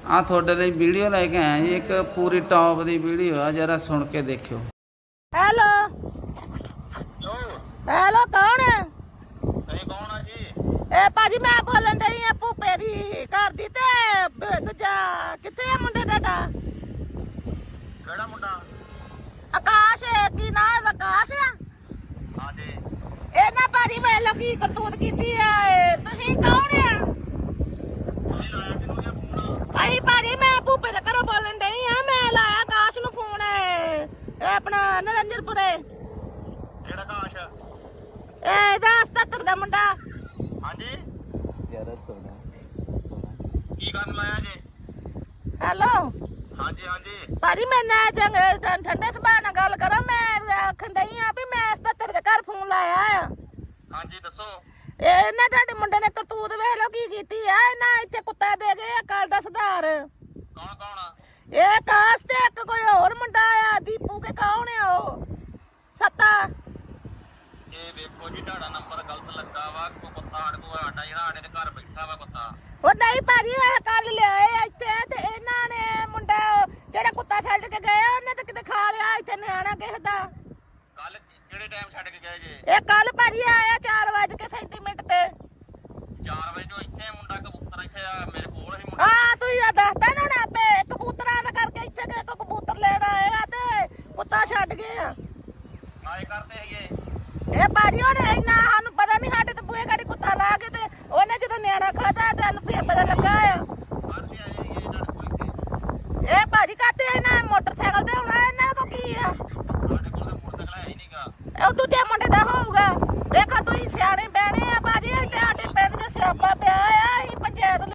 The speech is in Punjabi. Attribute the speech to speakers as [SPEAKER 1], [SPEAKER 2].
[SPEAKER 1] ਆ ਤੁਹਾਡੇ ਲਈ ਵੀਡੀਓ ਲੈ ਕੇ ਆਇਆ ਜੀ, ਇੱਕ ਪੂਰੀ ਟੌਪ ਦੀ ਵੀਡੀਓ ਆ, ਜਰਾ ਸੁਣ ਕੇ ਦੇਖਿਓ।
[SPEAKER 2] ਹੈਲੋ ਹੈਲੋ, ਕੌਣ ਹੈ?
[SPEAKER 3] ਤੁਸੀਂ ਕੌਣ ਆ ਜੀ?
[SPEAKER 2] ਇਹ ਭਾਜੀ ਮੈਂ ਬੋਲਣ ਡਈ ਆ ਭੂਪੇ ਦੀ ਘਰ ਦੀ। ਤੇ ਦੂਜਾ ਕਿੱਥੇ ਆ ਮੁੰਡਾ ਤੁਹਾਡਾ?
[SPEAKER 3] ਕਿਹੜਾ ਮੁੰਡਾ?
[SPEAKER 2] ਆਕਾਸ਼। ਕੀ ਨਾਂ ਇਹਦਾ? ਆਕਾਸ਼ ਆ।
[SPEAKER 3] ਹਾਂਜੀ।
[SPEAKER 2] ਇਹ ਨਾ ਭਾਜੀ ਵੇਖ ਲੋ ਕੀ ਕਰਤੂਤ ਕੀਤੀ ਆ। ਤੁਸੀਂ ਕੌਣ ਆ?
[SPEAKER 3] ਤੁਸੀਂ ਲਾਇਆ ਕਿਹਨੂੰ ਇਹ ਫੋਨ?
[SPEAKER 2] ਅਸੀਂ ਭਾਜੀ ਮੈਂ ਭੂਪੇ ਦੇ ਘਰੋਂ ਬੋਲਣ ਡਈ ਆ। ਮੈਂ ਲਾਇਆ ਆਕਾਸ਼ ਨੂੰ ਫੋਨ। ਇਹ ਆਪਣਾ ਨਰਿੰਦਰਪੁਰੇ।
[SPEAKER 3] ਕਿਹੜਾ ਕਾਸ਼?
[SPEAKER 2] ਇਹ ਇਹਦਾ 77 ਦਾ ਮੁੰਡਾ।
[SPEAKER 3] ਹਾਂਜੀ।
[SPEAKER 1] ਜਰਾ ਸੁਣਾ
[SPEAKER 3] ਕੀ ਕਰਨ ਲਾਇਆ ਜੀ?
[SPEAKER 2] ਹੈਲੋ
[SPEAKER 3] ਹਾਂਜੀ ਹਾਂਜੀ।
[SPEAKER 2] ਭਾਜੀ ਮੈਂ ਨਾ ਠੰਡੇ ਸੁਭਾਅ ਨਾਲ ਗੱਲ ਕਰਾਂ। ਮੈਂ ਆਖਣ ਡਈ ਆ ਵੀ ਮੈਂ 77 ਦੇ ਘਰ ਫੋਨ ਲਾਇਆ ਆ।
[SPEAKER 3] ਹਾਂਜੀ ਦੱਸੋ।
[SPEAKER 2] ਇਹ ਨਾ ਤੁਹਾਡੇ ਮੁੰਡੇ ਨੇ ਕਰਤੂਤ ਵੇਖ ਲੋ ਕੀ ਕੀਤੀ ਆ। ਇਹਨਾਂ ਇੱਥੇ ਕੁੱਤਾ ਦੇ ਗਏ ਆ ਕੱਲ ਦਾ ਸੁਧਾਰ।
[SPEAKER 3] ਕੌਣ ਕੌਣ ਆ?
[SPEAKER 2] ਇਹ ਕਾਸ ਤੇ ਇੱਕ ਕੋਈ ਹੋਰ ਮੁੰਡਾ ਆ ਦੀਪੂ ਕੇ। ਕੌਣ ਆ ਉਹ? ਸੱਤਾ।
[SPEAKER 3] ਇਹ ਵੇਖੋ ਜੀ ਤੁਹਾਡਾ ਨੰਬਰ ਗਲਤ ਲੱਗਾ ਵਾ। ਕੋ ਕੁੱਤਾ ਸਾਡੇ ਕੋਲ ਆਟਾ ਜਿਹੜਾ ਸਾਡੇ ਦੇ ਘਰ ਬੈਠਾ ਵਾ ਕੁੱਤਾ।
[SPEAKER 2] ਉਹ ਨਹੀਂ ਭਾਜੀ ਇਹ ਕੱਲ ਲਿਆਏ ਆ ਇੱਥੇ। ਤੇ ਇਹਨਾਂ ਨੇ ਮੁੰਡਾ ਜਿਹੜਾ ਕੁੱਤਾ ਛੱਡ ਕੇ ਗਏ ਉਹਨੇ ਤਾਂ ਕਿਤੇ ਖਾ ਲਿਆ ਇੱਥੇ ਨਿਆਣਾ ਕਿਸੇ ਦਾ।
[SPEAKER 3] ਕੱਲ ਕਿਹੜੇ ਟਾਈਮ ਛੱਡ ਕੇ ਗਏ ਜੀ?
[SPEAKER 2] ਇਹ ਕੱਲ ਭਾਜੀ ਆਇਆ 4:37 ਤੇ।
[SPEAKER 3] 4 ਵਜੇ ਤੋਂ ਇੱਥੇ ਮੁੰਡਾ ਕਬੂਤਰ ਇੱਥੇ ਆ ਮੇਰੇ ਕੋਲ ਹੀ ਮੁੰਡਾ।
[SPEAKER 2] ਹਾਂ ਤੁਸੀਂ ਆ ਦੱਸਦਾ ਨਾ ਆਪੇ ਕਬੂਤਰਾਂ ਦਾ ਕਰਕੇ ਇੱਥੇ ਤੇ ਇੱਕ ਕਬੂਤਰ ਲੈਣ ਆਏ ਆ ਤੇ ਕੁੱਤਾ ਛੱਡ ਗਏ ਆ।
[SPEAKER 3] ਆਏ ਕਰਦੇ ਹੈਗੇ।
[SPEAKER 2] ਇਹ ਭਾਜੀ ਹੁਣ ਇੰਨਾ ਸਾਨੂੰ ਪਤਾ ਨਹੀਂ। ਸਾਡੇ ਤੇ ਬੂਹੇ ਗਾੜੀ ਕੁੱਤਾ ਲਾ ਕੇ ਤੇ ਉਹਨੇ ਜਦੋਂ ਨਿਆਣਾ ਖਾਦਾ ਤੇ ਸਾਨੂੰ ਫੇਰ ਪਤਾ ਲੱਗਾ ਆ।
[SPEAKER 3] ਅਸੀਂ ਆਏ ਹੈਗੇ ਤੁਹਾਡੇ ਕੋਲ ਇੱਥੇ।
[SPEAKER 2] ਇਹ ਭਾਜੀ ਕਾਤੇ ਇਹਨਾਂ ਮੋਟਰਸਾਈਕਲ ਤੇ ਹੋਣਾ। ਇਹਨਾਂ ਕੋ ਕੀ ਆ?
[SPEAKER 3] ਸਾਡੇ ਕੋਲ ਤਾਂ ਮੋਟਰਸਾਈਕਲ ਹੈ ਹੀ ਨਹੀਂਗਾ।
[SPEAKER 2] ਉਹ ਦੂਜੇ ਮੁੰਡੇ ਦਾ ਹੋਊਗਾ।